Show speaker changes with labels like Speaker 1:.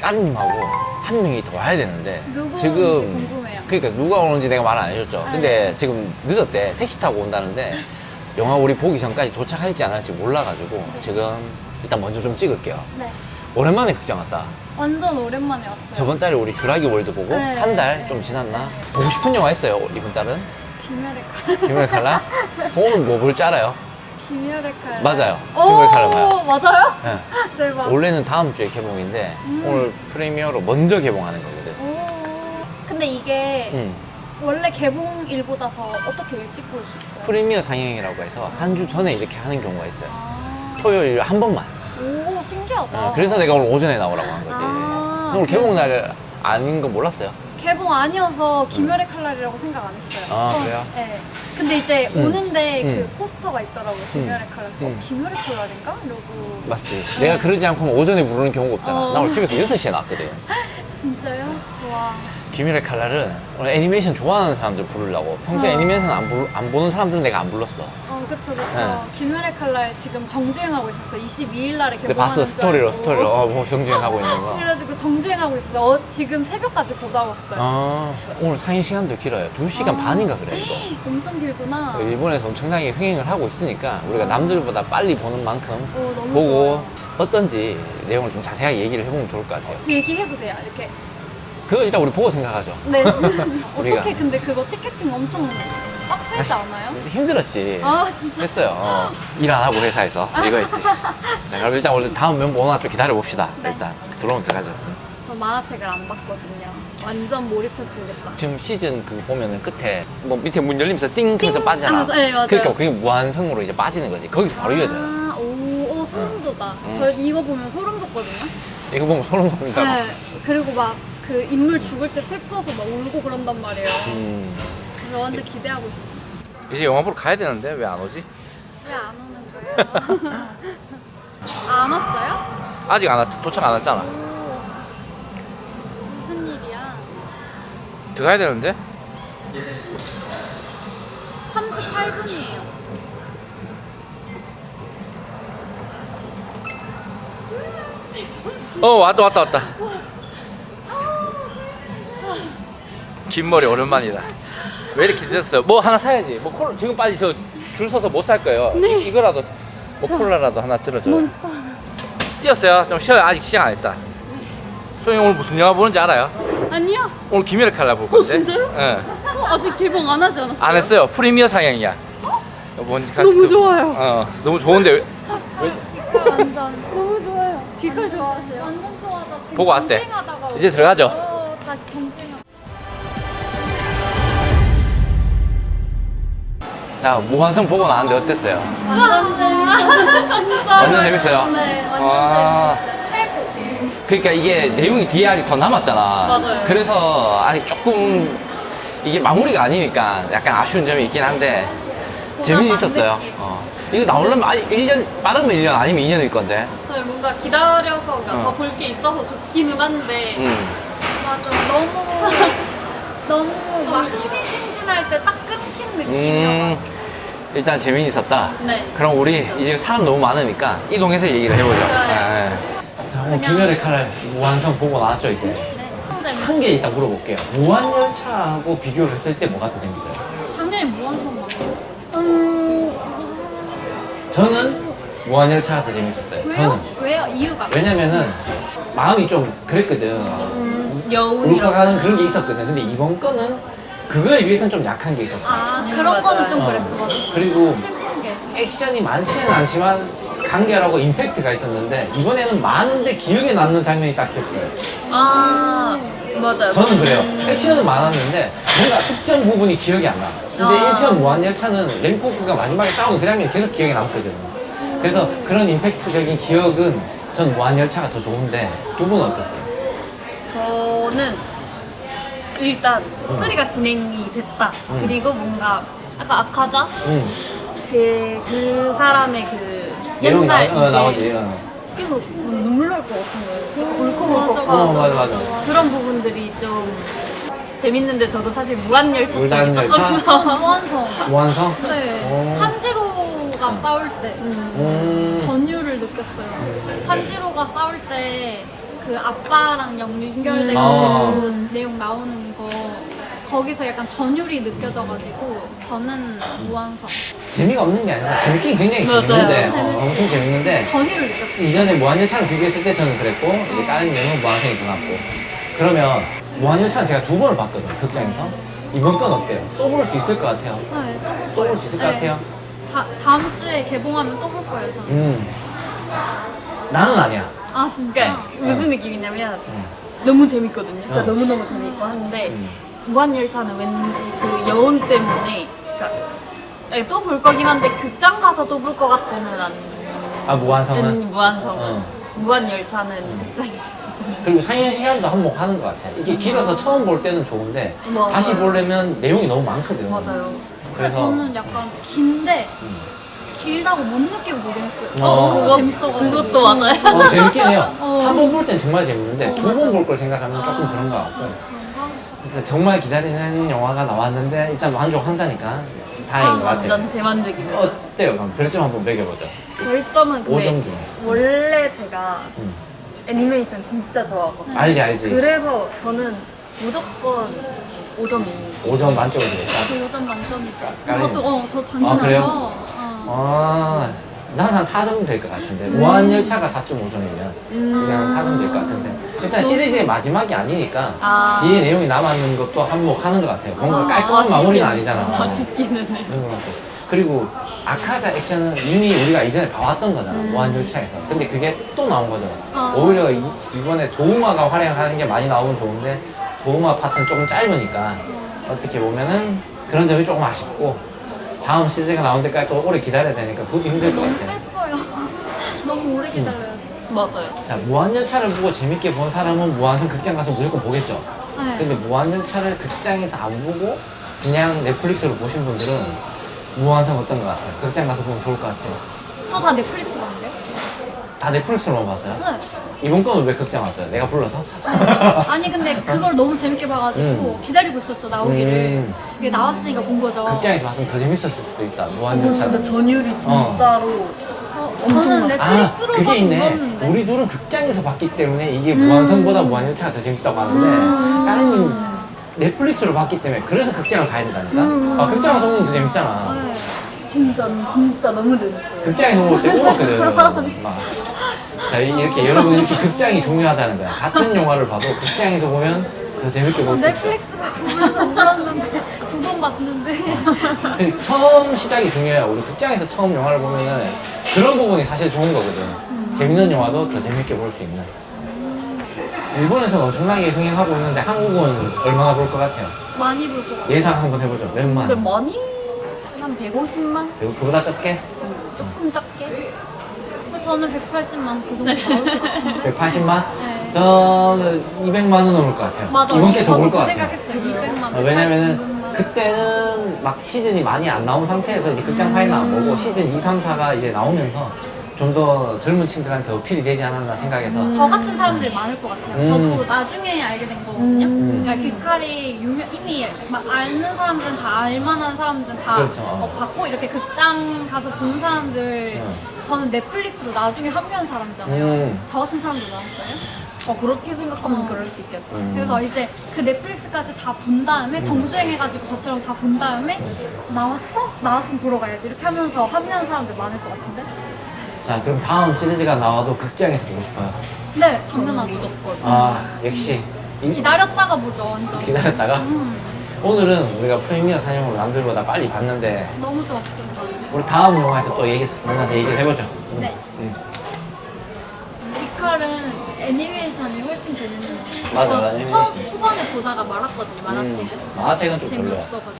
Speaker 1: 까르님하고 한 명이 더 와야 되는데
Speaker 2: 누구인지
Speaker 1: 지금
Speaker 2: 궁금해요.
Speaker 1: 그러니까 누가 오는지 내가 말 안 해줬죠. 근데
Speaker 2: 네.
Speaker 1: 지금 늦었대. 택시 타고 온다는데 영화 우리 보기 전까지 도착할지 안 할지 몰라가지고 지금 일단 먼저 좀 찍을게요.
Speaker 2: 네.
Speaker 1: 오랜만에 극장 왔다.
Speaker 2: 완전 오랜만에 왔어요.
Speaker 1: 저번 달에 우리 듀라기 월드 보고
Speaker 2: 네,
Speaker 1: 한 달
Speaker 2: 네.
Speaker 1: 좀 지났나? 보고 싶은 영화 있어요 이번 달은?
Speaker 2: 귀멸의 칼.
Speaker 1: 김멸 칼라? 오늘 뭐 볼 줄 알아요?
Speaker 2: 귀멸의 칼.
Speaker 1: 맞아요.
Speaker 2: 오,
Speaker 1: 귀멸의 칼라 봐요.
Speaker 2: 맞아요?
Speaker 1: 네.
Speaker 2: 대박.
Speaker 1: 원래는 다음 주에 개봉인데 오늘 프리미어로 먼저 개봉하는 거거든.
Speaker 2: 오. 근데 이게 원래 개봉일보다 더 어떻게 일찍 볼 수 있어요?
Speaker 1: 프리미어 상영이라고 해서 한 주 전에 이렇게 하는 경우가 있어요.
Speaker 2: 아.
Speaker 1: 토요일 한 번만.
Speaker 2: 오, 신기하다.
Speaker 1: 그래서 내가 오늘 오전에 나오라고 한 거지.
Speaker 2: 아,
Speaker 1: 오늘 개봉 날 아닌 거 몰랐어요?
Speaker 2: 개봉 아니어서 귀멸의 칼날이라고 생각 안 했어요.
Speaker 1: 아,
Speaker 2: 처음.
Speaker 1: 그래요?
Speaker 2: 네. 근데 이제 오는데 그
Speaker 1: 음.
Speaker 2: 포스터가 있더라고요. 귀멸의 칼날. 귀멸의 칼날인가? 이러고.
Speaker 1: 맞지. 내가 그러지 않고 오전에 부르는 경우가 없잖아.
Speaker 2: 어.
Speaker 1: 나 오늘 집에서 6시에 나왔거든.
Speaker 2: 진짜요? 와.
Speaker 1: 귀멸의 칼날은 오늘 애니메이션 좋아하는 사람들 부르려고. 평소에 애니메이션 안 보는 사람들은 내가 안 불렀어.
Speaker 2: 그쵸.
Speaker 1: 네.
Speaker 2: 귀멸의 칼날 지금 정주행하고 있었어요. 22일 날에
Speaker 1: 근데
Speaker 2: 개봉하는
Speaker 1: 봤어,
Speaker 2: 줄
Speaker 1: 스토리로,
Speaker 2: 알고.
Speaker 1: 스토리로. 뭐 정주행하고 있는 거.
Speaker 2: 그래가지고 정주행하고 있어요. 지금 새벽까지 보다 왔어요.
Speaker 1: 오늘 상영 시간도 길어요. 2시간 반인가 그래, 이거.
Speaker 2: 엄청 길구나.
Speaker 1: 일본에서 엄청나게 흥행을 하고 있으니까 우리가 남들보다 빨리 보는 만큼
Speaker 2: 너무
Speaker 1: 보고
Speaker 2: 좋아요.
Speaker 1: 어떤지 내용을 좀 자세하게 얘기를 해보면 좋을 것 같아요.
Speaker 2: 얘기해도 돼요, 이렇게.
Speaker 1: 그거 일단 우리 보고 생각하죠.
Speaker 2: 네.
Speaker 1: 우리가.
Speaker 2: 어떻게 근데 그거 티켓팅 엄청 빡세지 않아요?
Speaker 1: 힘들었지.
Speaker 2: 아, 진짜?
Speaker 1: 했어요. 일 안 하고 회사에서 이거 했지. 자, 그럼 일단 우리 다음 멤버 오나 좀 기다려 봅시다.
Speaker 2: 네.
Speaker 1: 일단 들어오면 들어가죠.
Speaker 2: 저 만화책을 안 봤거든요. 완전 몰입해서 보겠다.
Speaker 1: 지금 시즌 그 보면은 끝에 뭐 밑에 문 열리면서 띵 하면서
Speaker 2: 띵
Speaker 1: 빠지잖아.
Speaker 2: 하면서, 네, 맞아요.
Speaker 1: 그러니까 그게 무한성으로 이제 빠지는 거지. 거기서 바로 이어져요.
Speaker 2: 소름 돋아. 저 이거 보면 소름 돋거든요.
Speaker 1: 이거 보면 소름 돋는다.
Speaker 2: 네. 그리고 막 그 인물 죽을 때 슬퍼서 막 울고 그런단 말이에요. 그래서 완전 기대하고 있어.
Speaker 1: 이제 영화 보러 가야 되는데 왜 안 오지?
Speaker 2: 왜 안 오는 거예요? 안 왔어요?
Speaker 1: 아직 안 왔, 도착 안 왔잖아.
Speaker 2: 무슨 일이야?
Speaker 1: 들어가야 되는데?
Speaker 2: 38분이에요.
Speaker 1: 왔다. 긴 머리 오랜만이다. 왜 이렇게 늦었어요? 뭐 하나 사야지. 뭐 콜라, 지금 빨리 저 줄 서서 못 살 거예요. 이거라도 뭐 콜라라도 하나 들어줘요.
Speaker 2: 몬스터 하나.
Speaker 1: 뛰었어요. 좀 쉬어요. 아직 시작 안 했다. 수영이 오늘 무슨 영화 보는지 알아요?
Speaker 2: 아니요.
Speaker 1: 오늘 귀멸의 칼날 볼 건데.
Speaker 2: 진짜요?
Speaker 1: 예.
Speaker 2: 아직 개봉 안 하지 않았어요?
Speaker 1: 안 했어요. 프리미어 상영이야. 뭔지 같이
Speaker 2: 너무 좋아요.
Speaker 1: 너무 좋은데 왜?
Speaker 2: 완전 너무 좋아요. 귀칼 좋아하세요? 완전 좋아하다. 지금
Speaker 1: 보고 왔대.
Speaker 2: 정주행하다가
Speaker 1: 이제 들어가죠.
Speaker 2: 다시 정주행.
Speaker 1: 자, 무한성 보고 나왔는데 어땠어요?
Speaker 2: 완전 재밌어요.
Speaker 1: 완전 재밌어요?
Speaker 2: 네, 완전
Speaker 1: 와.
Speaker 2: 재밌어요. 최고.
Speaker 1: 그러니까 이게 내용이 뒤에 아직 더 남았잖아.
Speaker 2: 맞아요.
Speaker 1: 그래서 아직 조금 이게 마무리가 아니니까 약간 아쉬운 점이 있긴 한데 재미는 있었어요.
Speaker 2: 느낌.
Speaker 1: 이거 나오려면 1년, 빠르면 1년 아니면 2년일 건데.
Speaker 2: 뭔가 기다려서 더 볼 게 있어서 좋기는 한데 맞아 너무 막 흥미진진할 때 딱 끊긴 느낌이어가지고
Speaker 1: 일단 재미는 있었다.
Speaker 2: 네.
Speaker 1: 그럼 우리 이제 사람 너무 많으니까 이동해서 얘기를 해보죠.
Speaker 2: 좋아요.
Speaker 1: 자, 오늘 귀멸의 칼날 무한성 보고 나왔죠 이제.
Speaker 2: 네,
Speaker 1: 한 개 일단 물어볼게요. 무한열차하고 비교를 했을 때 뭐가 더 재밌어요?
Speaker 2: 당연히 무한성 맞아요.
Speaker 1: 저는 무한열차가 더 재밌었어요. 저는.
Speaker 2: 왜요? 이유가?
Speaker 1: 왜냐면은 마음이 좀 그랬거든. 울컥하는 그런 게 있었거든. 근데 이번 거는 그거에 비해서는 좀 약한 게 있었어.
Speaker 2: 그런 거는 좀 그랬어 맞아.
Speaker 1: 그리고
Speaker 2: 슬픈 게
Speaker 1: 액션이 많지는 않지만 간결하고 임팩트가 있었는데 이번에는 많은데 기억에 남는 장면이 딱 있었어요.
Speaker 2: 맞아요.
Speaker 1: 저는 그래요. 액션은 많았는데 뭔가 특정 부분이 기억이 안 나. 근데 1편 무한열차는 랭코크가 마지막에 싸우는 그 장면이 계속 기억에 남거든. 그래서 그런 임팩트적인 기억은 전 무한열차가 더 좋은데 두 분은 어땠어요?
Speaker 3: 저는 일단 스토리가 진행이 됐다. 그리고 뭔가 아까 아카자 그 사람의 그
Speaker 1: 내용이
Speaker 3: 옛날
Speaker 1: 나오지.
Speaker 3: 계속 눈물 날 것 같은 거예요. 울컥울컥
Speaker 1: 맞아.
Speaker 3: 그런 부분들이 좀 재밌는데 저도 사실 무한열차
Speaker 1: 무한열차?
Speaker 2: 무한성.
Speaker 1: 무한성?
Speaker 2: 네. 탄지로가 싸울 때 전율을 느꼈어요. 탄지로가 싸울 때 그 아빠랑 연결된 내용 나오는 거 거기서 약간 전율이 느껴져가지고 저는 무한성
Speaker 1: 재미가 없는 게 아니라 재밌긴 굉장히
Speaker 3: 맞아요.
Speaker 1: 재밌는데
Speaker 2: 재밌어요.
Speaker 1: 엄청 재밌는데
Speaker 2: 전율을 느꼈어요.
Speaker 1: 이전에 무한열차를 비교했을 때 저는 그랬고 이제 다른 내용은 무한성이 더 낫고 그러면 무한열차는 제가 2번을 봤거든요 극장에서 이번 건 어때요? 또 볼 수 있을 것 같아요?
Speaker 2: 네,
Speaker 1: 또 볼 수 있을 것 같아요?
Speaker 2: 다음 주에 개봉하면 또 볼 거예요 저는.
Speaker 1: 나는 아니야
Speaker 2: 아 진짜?
Speaker 3: 그러니까 무슨 느낌이냐면
Speaker 1: 응.
Speaker 3: 너무 재밌거든요. 진짜
Speaker 1: 어.
Speaker 3: 너무너무 재밌고 하는데
Speaker 1: 음.
Speaker 3: 무한열차는 왠지 그 여운 때문에 그러니까 또 볼 거긴 한데 극장 가서 또 볼 것 같지는 않은
Speaker 1: 아 무한성은?
Speaker 3: 무한성은
Speaker 1: 어.
Speaker 3: 무한열차는 극장에서
Speaker 1: 그리고 상영 시간도 한몫하는 것 같아 이게 길어서 처음 볼 때는 좋은데
Speaker 3: 맞아요.
Speaker 1: 다시 보려면 내용이 너무 많거든
Speaker 3: 맞아요.
Speaker 1: 그래서
Speaker 2: 저는 약간 긴데 길다고 못 느끼고 보겠어요.
Speaker 1: 어.
Speaker 2: 그거 재밌어가지고.
Speaker 3: 그것도 맞아요.
Speaker 1: 재밌긴 해요
Speaker 2: 어.
Speaker 1: 한 번 볼 땐 정말 재밌는데
Speaker 2: 어,
Speaker 1: 두 번
Speaker 2: 맞아.
Speaker 1: 볼 걸 생각하면 조금 그런 것 같고 근데 정말 기다리는 영화가 나왔는데 일단 만족한다니까 다행인 것 같아요
Speaker 3: 완전 대만족입니다.
Speaker 1: 어때요? 그럼 별점 한번 매겨보죠
Speaker 3: 별점은 근데
Speaker 1: 5점 중에
Speaker 3: 원래 제가
Speaker 1: 음.
Speaker 3: 애니메이션 진짜 좋아하거든요.
Speaker 1: 알지
Speaker 3: 그래서 저는 무조건 5점이
Speaker 1: 5점 만점으로 드릴까?
Speaker 2: 5점 만점이죠.
Speaker 1: 까리님.
Speaker 2: 저 당연하죠.
Speaker 1: 그래요?
Speaker 2: 어.
Speaker 1: 난 한 4점 될 것 같은데 무한열차가 4.5점이면 그냥 4점 될 것 같은데 일단 시리즈의 마지막이 아니니까
Speaker 3: 아.
Speaker 1: 뒤에 내용이 남았는 것도 한몫하는 것 같아요 뭔가 깔끔한 마무리는 아니잖아
Speaker 3: 아쉽기는 해.
Speaker 1: 그런 것 같고. 그리고 아카자 액션은 이미 우리가 이전에 봐왔던 거잖아 무한열차에서 근데 그게 또 나온 거죠 오히려 이번에 도우마가 활약하는 게 많이 나오면 좋은데 도우마 파트는 조금 짧으니까 어떻게 보면은 그런 점이 조금 아쉽고 다음 시즌가 나온 데까지 또 오래 기다려야 되니까 그것도 힘들 것
Speaker 2: 너무
Speaker 1: 같아요
Speaker 2: 슬퍼요. 너무 오래 기다려야 돼.
Speaker 3: 맞아요.
Speaker 1: 자 무한열차를 보고 재밌게 본 사람은 무한성 극장 가서 무조건 보겠죠
Speaker 2: 네.
Speaker 1: 근데 무한열차를 극장에서 안 보고 그냥 넷플릭스로 보신 분들은 무한성 어떤 것 같아요? 극장 가서 보면 좋을 것 같아요
Speaker 2: 저 다 넷플릭스 봤는데요?
Speaker 1: 다 넷플릭스로만 봤어요?
Speaker 2: 네.
Speaker 1: 이번 거는 왜 극장 왔어요? 내가 불러서?
Speaker 2: 아니 근데 그걸 너무 재밌게 봐가지고 기다리고 있었죠 나오기를. 이게 나왔으니까 본 거죠.
Speaker 1: 극장에서 봤으면 더 재밌었을 수도 있다 무한열차는
Speaker 3: 진짜 전율이 진짜로
Speaker 2: 저는 넷플릭스로
Speaker 1: 그게
Speaker 2: 봐서
Speaker 1: 있네
Speaker 2: 울었는데.
Speaker 1: 우리 둘은 극장에서 봤기 때문에 이게 무한성보다 무한열차가 더 재밌다고 하는데 까르님 넷플릭스로 봤기 때문에 그래서 극장을 가야 된다니까 아, 극장 가서 보면 더 재밌잖아
Speaker 2: 네.
Speaker 3: 진짜 너무 재밌어요.
Speaker 1: 극장에서 볼 때 울었거든 막. 자 이렇게 여러분 이렇게 극장이 중요하다는 거야 같은 영화를 봐도 극장에서 보면 더 재밌게
Speaker 2: 저
Speaker 1: 볼 수 있어
Speaker 2: 넷플릭스로 보면서 울었는데 2번 봤는데.
Speaker 1: 근데 처음 시작이 중요해요 우리 극장에서 처음 영화를 보면은 그런 부분이 사실 좋은 거거든 재밌는 영화도 더 재밌게 볼 수 있는 일본에서는 엄청나게 흥행하고 있는데 한국은 얼마나 볼 것 같아요?
Speaker 2: 많이 볼 것 같아요.
Speaker 1: 예상 한번 해보죠 몇만?
Speaker 3: 근데 많이 한 150만?
Speaker 1: 그리고 그보다 적게?
Speaker 3: 조금 작게?
Speaker 2: 근데 저는 180만 그 정도 나올 것 같은데.
Speaker 1: 180만?
Speaker 2: 네.
Speaker 1: 저는 200만은 넘을 것 같아요
Speaker 2: 맞아.
Speaker 1: 이번 게 더
Speaker 2: 저도
Speaker 1: 올 것
Speaker 2: 그
Speaker 1: 같아요
Speaker 2: 생각했어요. 200만.
Speaker 1: 왜냐면은 그때는 막 시즌이 많이 안 나온 상태에서 이제 극장 파이는 안 보고 시즌 2, 3, 4가 이제 나오면서 좀 더 젊은 친구들한테 어필이 되지 않았나 생각해서
Speaker 2: 저 같은 사람들이 많을 것 같아요. 저도 나중에 알게 된 거거든요. 그러니까 귀칼이 이미 막 아는 사람들은 다 알만한 사람들은 다
Speaker 1: 그렇죠.
Speaker 2: 봤고 이렇게 극장 가서 본 사람들 저는 넷플릭스로 나중에 합류한 사람이잖아요. 저 같은 사람들 많았어요.
Speaker 3: 그렇게 생각하면 그럴 수 있겠다.
Speaker 2: 그래서 이제 그 넷플릭스까지 다 본 다음에 정주행해가지고 저처럼 다 본 다음에 나왔어? 나왔으면 보러 가야지 이렇게 하면서 합류한 사람들 많을 것 같은데?
Speaker 1: 자 그럼 다음 시리즈가 나와도 극장에서 보고 싶어요
Speaker 2: 네, 당연하죠.
Speaker 3: 무조건.
Speaker 1: 아 역시
Speaker 2: 기다렸다가 보죠, 완전.
Speaker 1: 기다렸다가 오늘은 우리가 프리미어 상영으로 남들보다 빨리 봤는데
Speaker 2: 너무 좋았어요.
Speaker 1: 우리 다음 영화에서 또 만나서 얘기를 해보죠
Speaker 2: 네. 귀칼은 애니메이션이 훨씬 재밌는 것 같아요.
Speaker 1: 맞아,
Speaker 2: 저
Speaker 1: 애니메이션.
Speaker 2: 처음 초반에 보다가 말았거든요, 만화책은.
Speaker 1: 만화책은 좀 별로야
Speaker 2: 재미없어가지고.